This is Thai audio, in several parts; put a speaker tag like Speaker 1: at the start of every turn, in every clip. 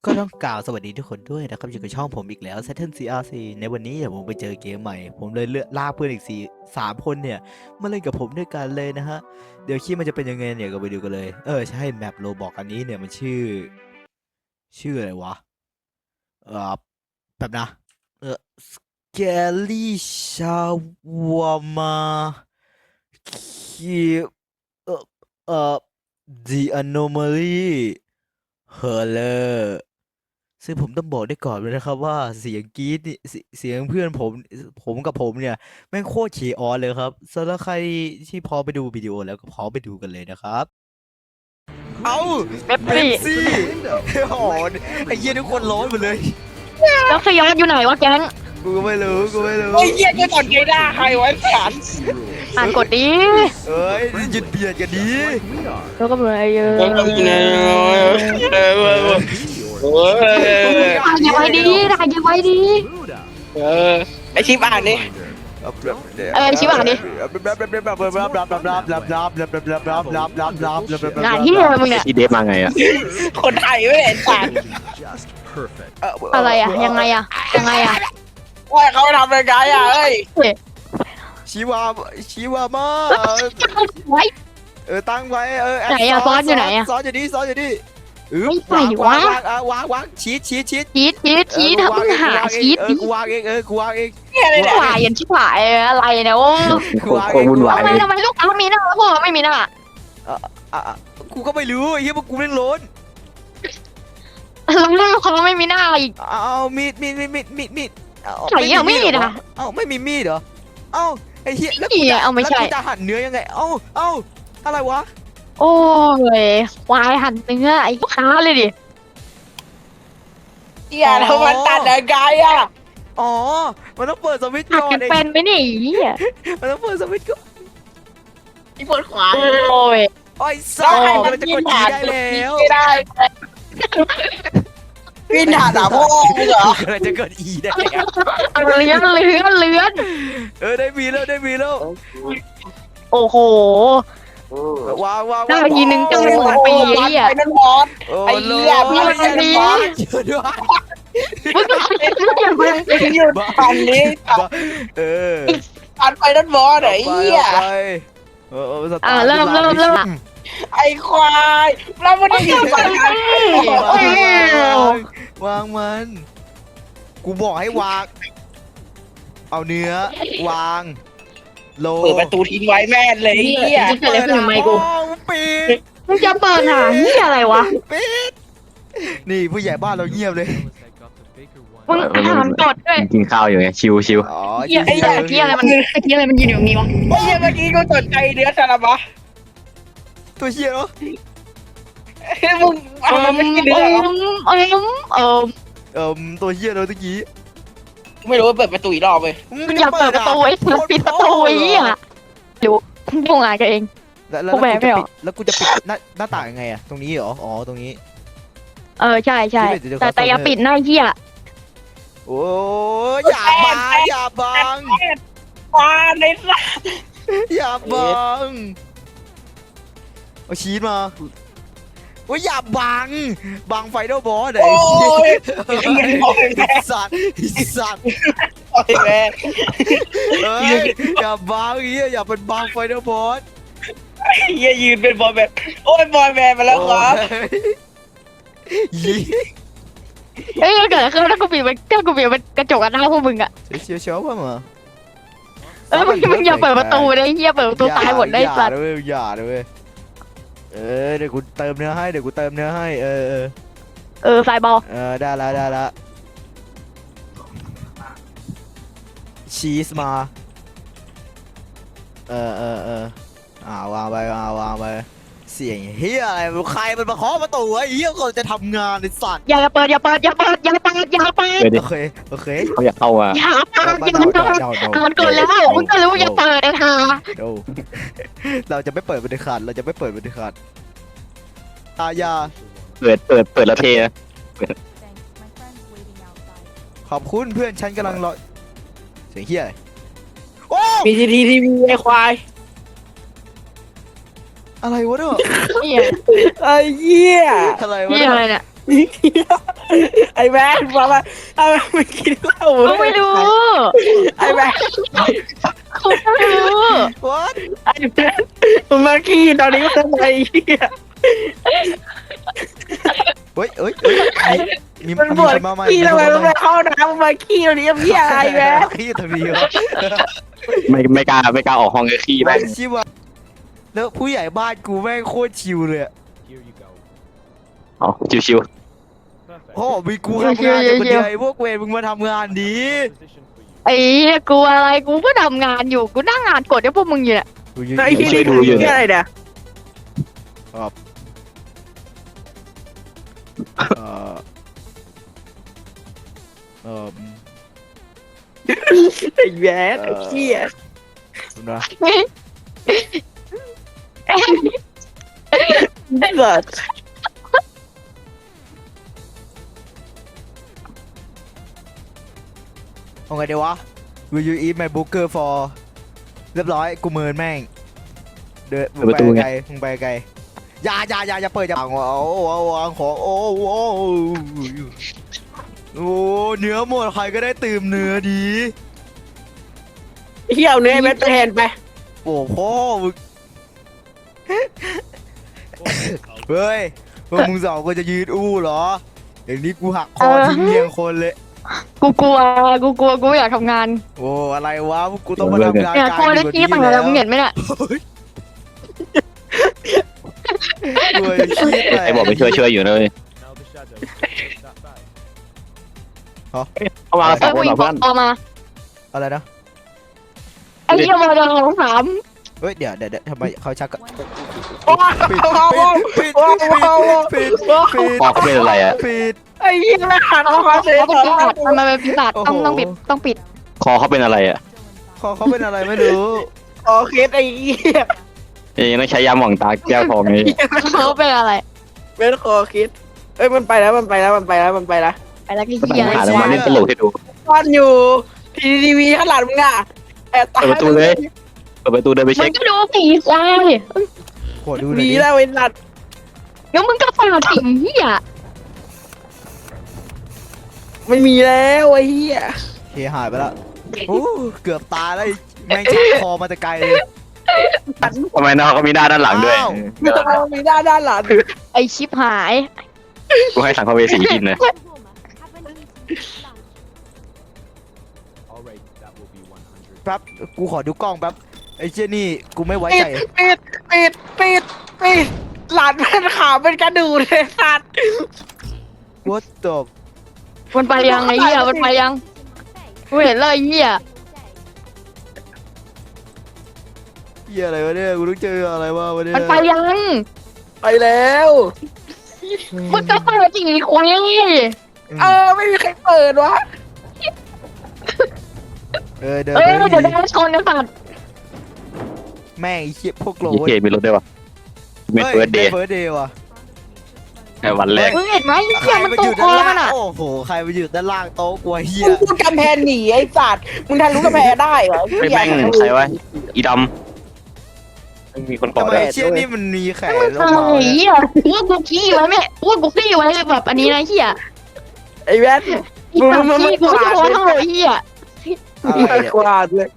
Speaker 1: ก็ต้องกล่าวสวัสดีทุกคนด้วยนะครับอยู่กับช่องผมอีกแล้ว Saturn CRC ในวันนี้เดี๋ยวผมไปเจอเกมใหม่ผมเลยเลือกลากเพื่อนอีก3 คนเนี่ยมาเล่นกับผมด้วยกันเลยนะฮะเดี๋ยวคลิปมันจะเป็นยังไงเนี่ยก็ไปดูกันเลยใช่แมปโรบอกอันนี้เนี่ยมันชื่ออะไรวะเออแบบนะเออ Scary Shawarma คีเออเออ The Anomaly Horror ซึ่งผมต้องบอกได้ก่อนเลยนะครับว่าเสียงกรี๊ดนี่เสียงเพื่อนผมกับผมเนี่ยแม่งโคตรขี่ออนเลยครับสำหรับใครที่พอไปดูวิดีโอแล้วก็พอไปดูกันเลยนะครับเอา
Speaker 2: เป๊ปซี่
Speaker 1: ซี่โอ้โหไอ้เหี้ยทุกคนร้อนหมดเลย
Speaker 2: แล้วสยามอยู่ไหนวะแก๊ง
Speaker 1: กูก็ไม่รู้
Speaker 3: ไอ้เหี้ยจะกดไงได้ใครวะฉัน
Speaker 2: อ่านกดดิ
Speaker 1: เอ้ยหยุดเบียดกันดี
Speaker 2: แล้วก็เป็นอะไรเยอะ
Speaker 3: โอ้ย
Speaker 2: ถ่ายยังไงดีถ่ายยังไงดี
Speaker 3: ไอชิปอ่านนี่
Speaker 2: ชิบหายดิงานที่อะไรมึงเนี่ย
Speaker 4: อีเดฟมาไงอ่ะ
Speaker 3: คนไทยไม่เห็นฉัน
Speaker 2: อะไรอะยังไงอะ
Speaker 3: ว่าเขาทำยังไงอ่ะเอ้ย
Speaker 1: ชีวามา
Speaker 2: ไว้
Speaker 1: ตั้งไว้
Speaker 2: ไหนอะซ้อนอยู่ไหนอะ
Speaker 1: ซ้อนอยู่นี่
Speaker 2: ไม่ไปวะ
Speaker 1: วางชีท
Speaker 2: ชีสถ้ามึงหาชีสดิ
Speaker 1: กูวางเองกูวางเอง
Speaker 3: เนี่ยอะไรเนี่ย
Speaker 2: ถ่ายยันชิบหายอะไรเนี่ยโอ้
Speaker 4: โคตรวุ่นวาย
Speaker 2: ทำไมลูกค้ามีหน้าแล้วพวกเราไม่มีหน้า
Speaker 1: กูก็ไม่รู้ไอ้เหี้ยพวกกูเล่นโล้น
Speaker 2: แล้วลูกค้าไม่มีหน้าอีก
Speaker 1: เอามีด
Speaker 2: ใส่เอามีดอะ
Speaker 1: เอ้าไม่มีมีดเหรอเอ้าไอ้เหี้ยแล้ว
Speaker 2: นี่เอาไม่ใช่
Speaker 1: แล้วกูจะหั่นเนื้อยังไงเอ้าอะไรวะ
Speaker 2: โอ้ยควายหั่นเนื้อไอ้ลูกค้าเลยดิ
Speaker 3: อย่าทำมันตัดยังไงอ่ะ
Speaker 1: อ๋อมันต้องเปิดสวิตช์
Speaker 2: หัด
Speaker 1: ก่อน
Speaker 2: กันเป็นไหมเนี่ยไอ้เหี้ย
Speaker 1: มันต้องเปิดสวิตช์ก่อน
Speaker 3: ที่ปวดขวา
Speaker 2: โอ้ย
Speaker 1: ไอ้ซ่ามันจะกดยีได้แล้ว
Speaker 3: ไม่ได้พี่ด่าพ่อมึงเหรอ
Speaker 1: มันจะกดอีได้แล้ว
Speaker 2: เลื้อน
Speaker 1: ได้มีแล้ว
Speaker 2: โอ้โห
Speaker 1: วาง
Speaker 2: ได้ทีนึงจะไม่เหมือนปีไอ้เหี้ย
Speaker 3: ไอ้นั่นบอส ไอ้เหี้ย
Speaker 2: พี่มันดี
Speaker 1: ช่วยด้วย
Speaker 2: มึงก็อย่าเพิ่ง
Speaker 3: หยุดปันนี้
Speaker 1: เออ
Speaker 3: ปันไปนั่นบอสไอ้เหี้ย
Speaker 2: เริ่ม
Speaker 3: ไอ้ควายแล้วมันได้ยินปันไหน
Speaker 1: วางมัน กูบอกให้วาง เอาเนื้อวางโล
Speaker 3: เปิดประตูทิ้งไว้แม่นเลยไอ้เหี้ย
Speaker 2: จะเกิดอะไรขึ้นกับไมค์กู
Speaker 1: ปิด
Speaker 2: มึงจะเปิดหาเหี้ยอะไรวะ
Speaker 1: ปิดนี่ผู้ใหญ่บ้านเราเงียบเลย
Speaker 2: มึงอ่านกดด้วย
Speaker 4: กินข้าวอยู่ไงชิว
Speaker 1: อ๋อ
Speaker 2: เหี้ยไอ้เหี้ยอะไรมันยืนอยู่ตรงนี้วะ
Speaker 3: ไอ้เหี้ยเมื่อกี้กูสนใจเนื้อซาลาบะ
Speaker 1: ตัวเฮียเนาะ
Speaker 3: เฮ้ยมึงเอามันไม่กินเนื้อเหรอ
Speaker 1: ตัวเฮียเนาะตะกี้
Speaker 3: ไม่รู้ว่าเปิดประตูอีกรอบเลย
Speaker 2: มึงอย่าเปิดประตูไอ้ปิดประตูไอ้เหี้ยดูพวกงานกันเอง
Speaker 1: แล้ว
Speaker 2: กูแบกไม่ออก
Speaker 1: แล้วกูจะปิดหน้าต่างยังไงอะตรงนี้เหรออ๋อตรงนี้
Speaker 2: ใช่แต่อย่าปิดหน้าเหี้ย
Speaker 1: โอ้ยอย่าบัง
Speaker 3: ปาในสัตว์
Speaker 1: อย่าบังเอาชีสมาโอ้ยอย่าบังไฟนอลบอสไอ้
Speaker 3: โอ้ย
Speaker 1: สัตว์
Speaker 3: โอ้ยแม่
Speaker 1: เฮ้ยอย่าบังอย่าเป็นบังไฟนอลบอส
Speaker 3: เฮียยืนเป็นบอยแบนด์โอ้ยบอยแบนด์มาแล้วครับ
Speaker 1: ยี
Speaker 2: เอ้ยเกิดอะไรขึ้นถ้ากูปิดมันกระจกอันหน้าพวกมึงอะ
Speaker 1: เชียวว่ามา
Speaker 2: มึงอย่าเปิดประตูเลยเหี้ยเปิดประตูตายหมดได้สัตว์
Speaker 1: อย่าเลยเดี๋ยวกูเติมเนื้อให้
Speaker 2: ไฟบอล
Speaker 1: ได้ละชีสมาวางไปเสียงเฮียอะไรใครมันมาเคาะประตูไอ้เฮียก่อนจะทำงานไอ้สัตว์
Speaker 2: อย่าเปิด
Speaker 4: ๆเดี๋ยวดิ
Speaker 1: โอเค
Speaker 4: เขาอยากเข้าอ่ะ
Speaker 2: มันเกิดแล้วมึงก็รู้อย่าเปิดไอ้ห่า
Speaker 1: เราจะไม่เปิดเป็นขาดอย่า
Speaker 4: เปิดแล้วเทนะ
Speaker 1: ขอบคุณเพื่อนฉันกำลังรอเสียงเฮียอะไรโอ้
Speaker 3: มีทีไอ้ควาย
Speaker 1: อะไรวะเนี่ย
Speaker 2: เหี้ย
Speaker 3: ไอ้เหี้ย
Speaker 1: อะไรวะ
Speaker 2: เหี้ยอะไรเนี่ย
Speaker 3: ไอ้แม่บอกว่าทำไมไม่กินเหล้า
Speaker 2: กูไม่รู้
Speaker 3: ไอ้แม่
Speaker 2: กูไม่รู้
Speaker 1: what
Speaker 3: ไอ้แม่มึงมาขี้ตอนนี้ก็ทำไมเหี้ย
Speaker 1: เฮ้ยมี
Speaker 3: มันปวด
Speaker 1: คนมาใหม่
Speaker 3: ขี้ทำไมมึงมาเข้าน้ำมึงมาขี้ตอนนี้เหี้ยอะไรแม่
Speaker 1: ขี้ทำไมวะ
Speaker 4: ไม่กล้าออกห้องเลยขี้
Speaker 1: แม่
Speaker 4: แม่
Speaker 1: งชิวะแล้วผู้ใหญ่บ้านกูแม่งโคตรชิวเลยอะ
Speaker 4: เอาชิว
Speaker 1: โอ้มีกูทำงานอยู่คนเดียวไอ้พวกเวรมึงมาทำงานดี
Speaker 2: ไอ้เหี้ยกูอะไรกูก็ทำงานอยู่กูนั่งงานกดให้พวกมึงอยู่เนี่ย
Speaker 3: ไอ้เหี้ยนี่คือเหี้ยอะไรเนี่ย
Speaker 1: เอ่อเอ่อ
Speaker 3: ไอ้แม่ไอ้เหี้ย
Speaker 1: นะ
Speaker 3: เกิด
Speaker 1: เอาไงเดี๋ยววะ Will you eat my burger for เรียบร้อยกูเมินแม่งเดินมึงไปไกลอย่าเปิดอย่าเอาของโอ้เนื้อหมดใครก็ได้ตื่มเนื้อดี
Speaker 3: เหี้ยเอาเนื้อไอ้แม่ไปแทนไป
Speaker 1: โอ้พ่อมึงเฮ้ยพวกมึงสองคนจะยืนอู้เหรออย่างนี้กูหักคอทิ้งเรียงคนเลย
Speaker 2: กูกลัวกูไม่อยากทำงาน
Speaker 1: โอ้อะไรวะพวกกูต้องมาทำงาน
Speaker 2: เนี่ย
Speaker 1: การ
Speaker 2: โคตรได้ขี้ต่างแล้วมึงเห็นไหมเนี่ย
Speaker 1: ด้วยขี้
Speaker 4: ๆไอ้บอกไปช่วยอยู่นะเลยเข้ามาสองคน
Speaker 2: วิ่
Speaker 4: เหรง อเพื่อน
Speaker 2: ออกมา
Speaker 1: อะไรนะ
Speaker 2: ไอ้เหี้ยมาดังของสาม
Speaker 1: เฮ้ยเดี๋ยวทำไมเขาชักกัน
Speaker 3: โอ้โห
Speaker 1: ปิด
Speaker 3: โอ้โห
Speaker 4: คอเขาเป็นอะไรอ่ะ
Speaker 1: ปิด
Speaker 3: ไอ้เหี้ยแม่หันออกมาเสีย
Speaker 2: เขาเป็นปีศาจมันเป็นปีศาจต้องปิด
Speaker 4: คอเขาเป็นอะไรอ่ะ
Speaker 1: คอเขาเป็นอะไรไม่รู้
Speaker 3: โอเคไอ้เหี้ย
Speaker 4: ยังต้องใช้ยาหม่องตาแก้วทองนี้
Speaker 2: เขาเป็นอะไร
Speaker 3: เป็นคอคิดเอ้ยมันไปแล้ว
Speaker 2: ไปแล้วก็
Speaker 4: ก็ต้อง
Speaker 2: เหี้ย
Speaker 4: หาแล้วมาเล่นตลกให้ดู
Speaker 3: ซ่อนอยู่ทีวีข้างหลังมึงอ่ะแอบตาย
Speaker 4: เปิดประตูเลยเปิดประตูเดินไป
Speaker 2: มึ
Speaker 4: เช็
Speaker 2: ง
Speaker 4: ค
Speaker 2: ก็ดูผีควาย
Speaker 1: ขอดูหน่อย
Speaker 3: ดี
Speaker 1: ดิ
Speaker 3: แล้วไอ้สัตว์
Speaker 2: งั้นมึงก็ฟาดผีเหี้ย
Speaker 3: ไม่มีแล้วไอ้เหี้ย
Speaker 1: เคหายไปแล้วโอ้เกือบตายแล้วไอ้แม่งชักคอมาแต่ไกลเลย
Speaker 4: ทำไมน้องเขามีหน้าด้านหลังด้วย
Speaker 1: อ้าว
Speaker 3: ไม่ต้องเอามีด้านหลัง
Speaker 2: ไอชิปหาย
Speaker 4: กูให้สังฆเวสีกินเลย
Speaker 1: แป๊บกูขอดูกล้องแป๊บไอ้เจนี่กูไม่ไว้
Speaker 3: ปิ
Speaker 1: ใจ
Speaker 3: ดหลานเป็นขาวเป็นกระดูกเลยสัตว์
Speaker 1: What the
Speaker 2: มันไปยังไอ้เหี้ยมันไปยังกูเห็นเลยไอ้เหี้ย
Speaker 1: เหี้ยอะไรวะเนี่ยกูต้องเจออะไรวะวะเนี่ย
Speaker 2: มันไปยัง
Speaker 3: ไปแล้ว
Speaker 2: มันก็เปิดจริงไอ้ควาย
Speaker 3: ไม่มีใครเปิดวะ
Speaker 1: เดิน
Speaker 2: เอ้ย
Speaker 1: ไป
Speaker 2: เดี๋ยวได้ชนนะสัตว์
Speaker 1: แม่งไอ้เหี้ยพวกโล
Speaker 4: ยี่เกมีรถด้วยวะเมนเฟิร์สเดย์
Speaker 1: เฟิร์สเดย์ว่ะ
Speaker 4: วันแรก
Speaker 2: มึงเห็นไหมไอ้
Speaker 1: ใค
Speaker 2: เหี้
Speaker 1: ร
Speaker 2: ยมัน
Speaker 1: มา
Speaker 2: ต
Speaker 1: อยู่
Speaker 2: กค
Speaker 1: ด้า
Speaker 2: อน มัน
Speaker 1: ล่าง
Speaker 2: อ่ะ
Speaker 1: โอ้โหใครมาอยู่ด้านล่างโต๊ะกลัวเหี้ย
Speaker 3: มึงพูดกำแพงหนีไอ้สัตว์มึงทะลุกำแพงได้เหรอ
Speaker 4: ไม่แม่งใครวะอีดำมีคนก่อ
Speaker 1: ทำไม
Speaker 4: ได้
Speaker 1: เชี่ยนี่มันมีแขนลง
Speaker 2: ไอ้
Speaker 1: มาเนี่ย
Speaker 2: เหี้ยว่ากูขี้ไว้ไหมว่ากูขี้ไว้แบบอันนี้นะเหี้ย
Speaker 3: ไอ้แว่น
Speaker 2: อีสัตว์ขี้กูจะโดนเท่าไอ้เหี้ย
Speaker 1: อะไรเนี่ย
Speaker 3: กวาดเลย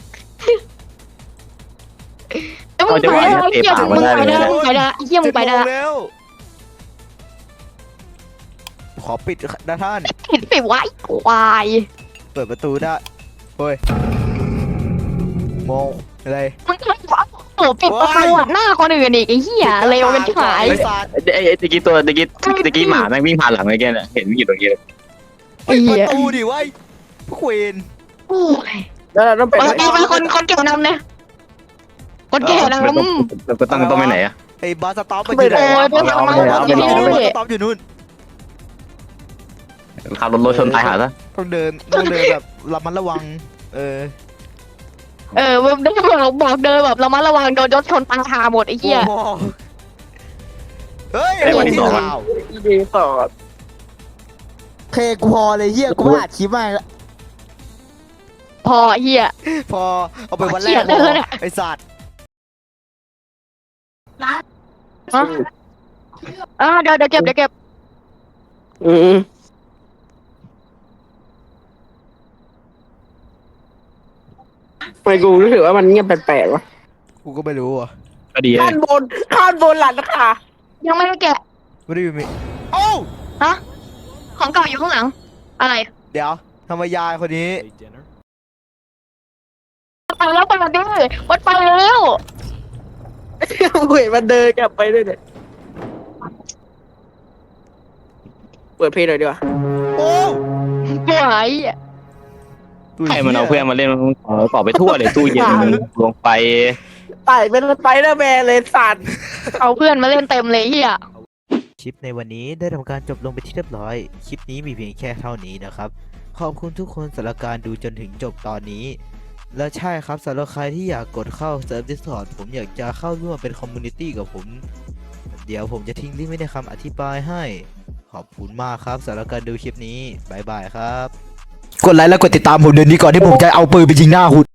Speaker 2: แล้วมึงไปได้ไอ้เหี้ยมึงไปได้มึงไปได้ไอ้เหี้ยมึงไปได้
Speaker 1: 7 โมแล้วขอปิดนะท่าน
Speaker 2: เห็นไปไว้ควาย
Speaker 1: เปิดประตูได้เฮ้ยมองอะไร
Speaker 2: มึงก็โอ้ปิดประตูหน้าคนอื่นอีกไอ้เหี้ยเร็วเป็นขาย
Speaker 1: ไอ้สัตว์
Speaker 4: ไอ้ตะกี้หมาแม่งวิ่งผ่านหลังไอ้แกเนี่ยเห็นวิ่งอยู่ตรงนี้เลย
Speaker 1: ปิดประตูดิไว้พวกเวน
Speaker 2: โอ้ย
Speaker 3: แล้วเราต้องเป็น
Speaker 2: เป็นคนเก่วนำเนี่ยคนแก่นำ
Speaker 4: เราก็ต้องไปไหนอะ
Speaker 1: ไอ้บาสต็อปไปอยู่ไหน
Speaker 2: โอ้ยเป็น
Speaker 1: บา
Speaker 2: ทำไม
Speaker 1: ส
Speaker 2: เป็น
Speaker 1: ต็อป
Speaker 2: ที่
Speaker 1: บาสต็อปอยู่นู่น
Speaker 4: ขับรถชนตายหาซะ
Speaker 1: ต้องเดินแบบระมัดระวัง
Speaker 2: มึงได้บอกเดินแบบระมัดระวังโดนรถชนตายหาหมดไอ้เหี้ย
Speaker 1: โอ้โหเฮ้ย
Speaker 4: ไอ้วันที่สอง
Speaker 1: ข่าว
Speaker 3: ดีสอด
Speaker 1: เพลงกูพอเลยเฮียกูไม่อัดคลิปมาแล้ว
Speaker 2: พอเหี้ย
Speaker 1: พอเอาไปวันแร
Speaker 2: เขีย
Speaker 1: ก
Speaker 2: นเลยเนี่ย
Speaker 1: ไอ้สัตว์
Speaker 2: เดี๋ยวเก็บ
Speaker 5: อืมทำไมกูรู้สึกว่ามันเงียบแปลกๆวะ
Speaker 1: กูก็ไม่รู้อ่ะ
Speaker 4: ก็ดีเล
Speaker 5: ข้าย นบนข้านบนหลังค่ะ
Speaker 2: ยังไม่ได้แกะ
Speaker 1: ไม่ได้มีโอ้า
Speaker 2: ฮะของเก่าอยู่ข้างหลัง อะไร
Speaker 1: เดี๋ยวทำไมยายคนนี้
Speaker 2: ไปแล้วไปแล้วดิวัดไปแล้ว
Speaker 5: กูเห็นมันเดินกลับไปด้วยเนี่ยเปิดเพลงหน่อยดีกว่า
Speaker 1: โอ้
Speaker 2: ป่วย
Speaker 1: ตัว
Speaker 4: ให้
Speaker 1: หี้ย
Speaker 4: มันเอาเพื่อนมาเล่นต่อไปทั่วเลยตู้เย็นลงไป
Speaker 5: ไต่เป็นสไปเดอร์แมนเลยสัตว์
Speaker 2: เอาเพื่อนมาเล่นเต็มเลยเฮีย
Speaker 1: คลิปในวันนี้ได้ทำการจบลงไปที่เรียบร้อย คลิปนี้มีเพียงแค่เท่านี้นะครับ ขอบคุณทุกคนสำหรับการดูจนถึงจบตอนนี้ และใช่ครับสำหรับใครที่อยากกดเข้าเซิร์ฟ Discord ผมอยากจะเข้าร่วมเป็นคอมมูนิตี้กับผม เดี๋ยวผมจะทิ้งลิงก์ไว้ในคำอธิบายให้ ขอบคุณมากครับสำหรับการดูคลิปนี้ บ๊ายบายครับ กดไลค์และกดติดตามผมเดี๋ยวนี้ก่อนที่ผมจะเอาปืนไปยิงหน้าคุณ